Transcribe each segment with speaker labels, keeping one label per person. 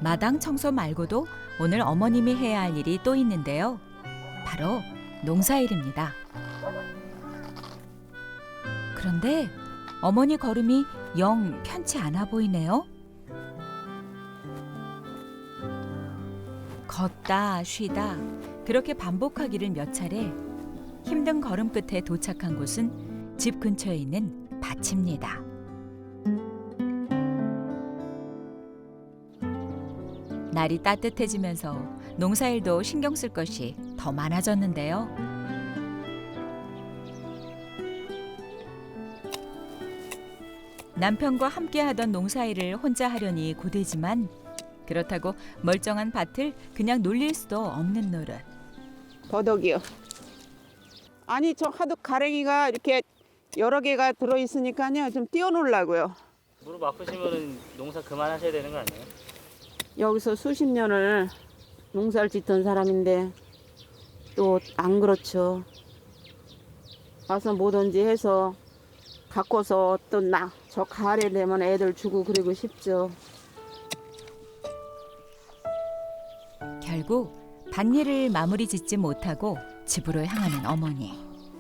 Speaker 1: 마당 청소 말고도 오늘 어머님이 해야 할 일이 또 있는데요. 바로 농사일입니다. 그런데 어머니 걸음이 영 편치 않아 보이네요. 걷다 쉬다 그렇게 반복하기를 몇 차례 힘든 걸음 끝에 도착한 곳은 집 근처에 있는 밭입니다. 날이 따뜻해지면서 농사일도 신경 쓸 것이 더 많아졌는데요. 남편과 함께하던 농사일을 혼자 하려니 고되지만 그렇다고 멀쩡한 밭을 그냥 놀릴 수도 없는 노릇.
Speaker 2: 더덕이요. 아니 저 하도 가랭이가 이렇게 여러 개가 들어있으니까요. 좀 띄워놓으려고요.
Speaker 3: 무릎 아프시면 농사 그만하셔야 되는 거 아니에요?
Speaker 2: 여기서 수십 년을 농사를 짓던 사람인데 또 안 그렇죠. 와서 뭐든지 해서 갖고서 또 저 가을에 되면 애들 주고 그러고 싶죠.
Speaker 1: 결국 밭일을 마무리 짓지 못하고 집으로 향하는 어머니.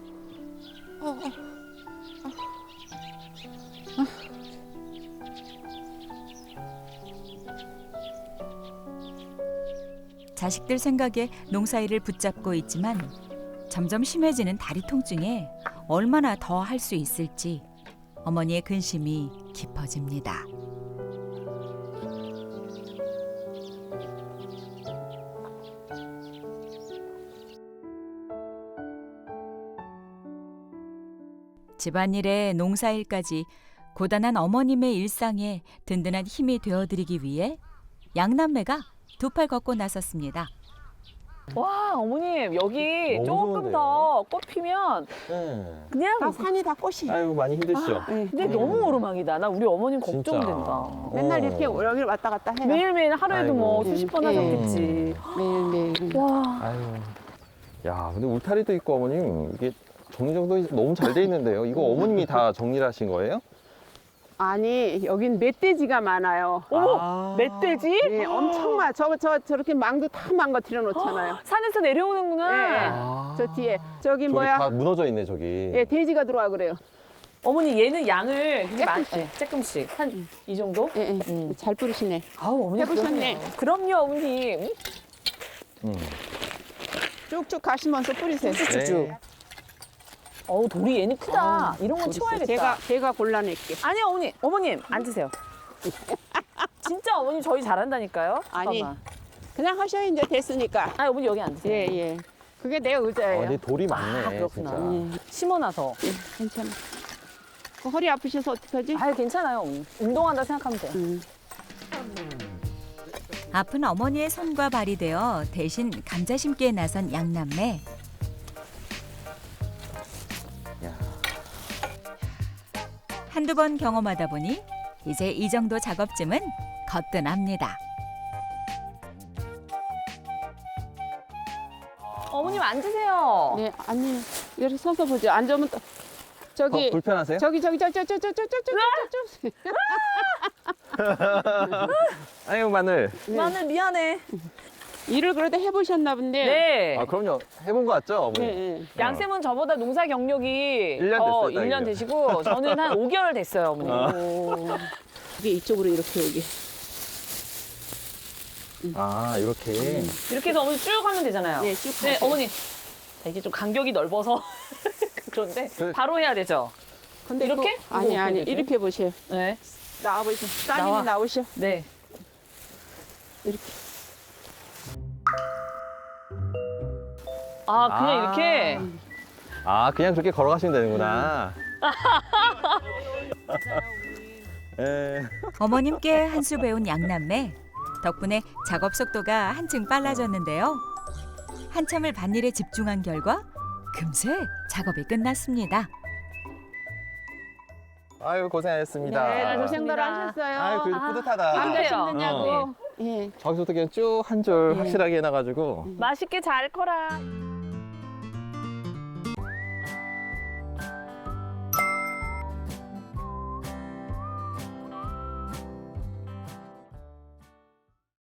Speaker 1: 자식들 생각에 농사일을 붙잡고 있지만 점점 심해지는 다리 통증에 얼마나 더 할 수 있을지 어머니의 근심이 깊어집니다. 집안일에 농사일까지 고단한 어머님의 일상에 든든한 힘이 되어드리기 위해 양남매가 두 팔 걷고 나섰습니다.
Speaker 4: 와, 어머님, 여기
Speaker 5: 너무
Speaker 4: 조금
Speaker 5: 좋은데요?
Speaker 4: 더 꽃 피면
Speaker 5: 네.
Speaker 4: 그냥
Speaker 2: 다 산이 다 꽃이.
Speaker 5: 아이고 많이 힘드시죠?
Speaker 2: 네.
Speaker 4: 근데 너무 오르막이다. 나 우리 어머님
Speaker 5: 진짜.
Speaker 4: 걱정된다.
Speaker 2: 맨날 이렇게 여기를 왔다 갔다 해요.
Speaker 4: 매일매일 하루에도 뭐
Speaker 5: 아이고.
Speaker 4: 수십 번
Speaker 2: 예.
Speaker 4: 하셨겠지.
Speaker 2: 매일매일.
Speaker 4: 와,
Speaker 5: 아유. 야, 근데 울타리도 있고 어머님 이게 정리정돈이 너무 잘 돼 있는데요. 이거 어머님이 다 정리를 하신 거예요?
Speaker 2: 아니 여긴 멧돼지가 많아요.
Speaker 4: 어머, 멧돼지?
Speaker 2: 네, 엄청 많아. 저렇게 망도 다 망가뜨려 놓잖아요.
Speaker 4: 산에서 내려오는구나.
Speaker 2: 네.
Speaker 5: 아.
Speaker 2: 저 뒤에 저기
Speaker 5: 저기
Speaker 2: 뭐야?
Speaker 5: 다 무너져 있네 저기.
Speaker 2: 예, 돼지가 들어와 그래요.
Speaker 4: 어머니, 얘는 양을 되게
Speaker 2: 조금씩.
Speaker 4: 조금씩. 한 이 정도?
Speaker 2: 예, 예. 잘 뿌리시네.
Speaker 4: 아우, 어머니.
Speaker 2: 해보셨네.
Speaker 4: 그럼요, 어머님.
Speaker 5: 음.
Speaker 2: 쭉쭉 가시면서 뿌리세요.
Speaker 4: 쭉쭉쭉.
Speaker 5: 네.
Speaker 4: 어우, 돌이 얘는 크다. 이런 건 치워야겠다.
Speaker 2: 제가 골라낼게.
Speaker 4: 아니요, 어머님, 앉으세요. 진짜 어머님 저희 잘한다니까요.
Speaker 2: 아니.
Speaker 4: 잠깐만.
Speaker 2: 그냥 하셔야 이제 됐으니까.
Speaker 4: 아니, 어머니 여기 앉으세요.
Speaker 2: 예, 예. 그게 내 의자예요.
Speaker 5: 근데 돌이 많네.
Speaker 4: 아, 그렇구나.
Speaker 5: 진짜.
Speaker 4: 심어놔서.
Speaker 2: 예, 괜찮아. 그 허리 아프셔서 어떡하지?
Speaker 4: 아유, 괜찮아요, 어머니. 운동한다 생각하면 돼요.
Speaker 1: 아픈 어머니의 손과 발이 되어 대신 감자 심기에 나선 양남매.
Speaker 5: 야.
Speaker 1: 한두 번 경험하다 보니 이제 이 정도 작업쯤은 거뜬합니다.
Speaker 4: 어머님 앉으세요.
Speaker 2: 네, 아니 이렇게 서서 보죠. 앉으면 또 저기
Speaker 5: 불편하세요?
Speaker 2: 저기.
Speaker 5: 아이고 마늘.
Speaker 4: 마늘 미안해.
Speaker 2: 일을 그래도 해보셨나 본데.
Speaker 4: 네.
Speaker 5: 아 그럼요. 해본 거 같죠 어머니?
Speaker 2: 네, 네.
Speaker 4: 양쌤은 저보다 농사 경력이
Speaker 5: 1년 됐어요,
Speaker 4: 1년
Speaker 5: 딱이죠.
Speaker 4: 되시고 저는 한 5개월 됐어요, 어머니.
Speaker 2: 오. 이게 이쪽으로 이렇게 여기.
Speaker 5: 아 이렇게.
Speaker 4: 이렇게 해서 어머니 쭉 하면 되잖아요.
Speaker 2: 네, 쭉
Speaker 4: 네,
Speaker 2: 하세요.
Speaker 4: 어머니. 자, 이게 좀 간격이 넓어서 그런데
Speaker 5: 그-
Speaker 4: 바로 해야 되죠.
Speaker 2: 근데
Speaker 4: 이렇게?
Speaker 2: 또- 아니
Speaker 4: 이거
Speaker 2: 아니
Speaker 4: 어떻게
Speaker 2: 이렇게 보세요.
Speaker 4: 네.
Speaker 2: 나와보세요. 따님이
Speaker 4: 나와.
Speaker 2: 나오셔.
Speaker 4: 네.
Speaker 2: 이렇게.
Speaker 4: 아, 그냥
Speaker 5: 아.
Speaker 4: 이렇게?
Speaker 5: 아 그냥 그렇게 걸어가시면 되는구나. 예.
Speaker 1: 어머님께 한 수 배운 양남매. 덕분에 작업 속도가 한층 빨라졌는데요. 한참을 밭일에 집중한 결과 금세 작업이 끝났습니다.
Speaker 5: 아유 고생하셨습니다.
Speaker 2: 네, 고생들
Speaker 4: 고생하셨습니다.
Speaker 2: 하셨어요.
Speaker 5: 아유 그래도 뿌듯하다.
Speaker 4: 아,
Speaker 2: 남자
Speaker 4: 그래요?
Speaker 2: 힘드냐고. 예.
Speaker 5: 저기서부터 그냥 쭉 한 줄
Speaker 2: 네.
Speaker 5: 확실하게 해놔가지고.
Speaker 4: 맛있게 잘 커라.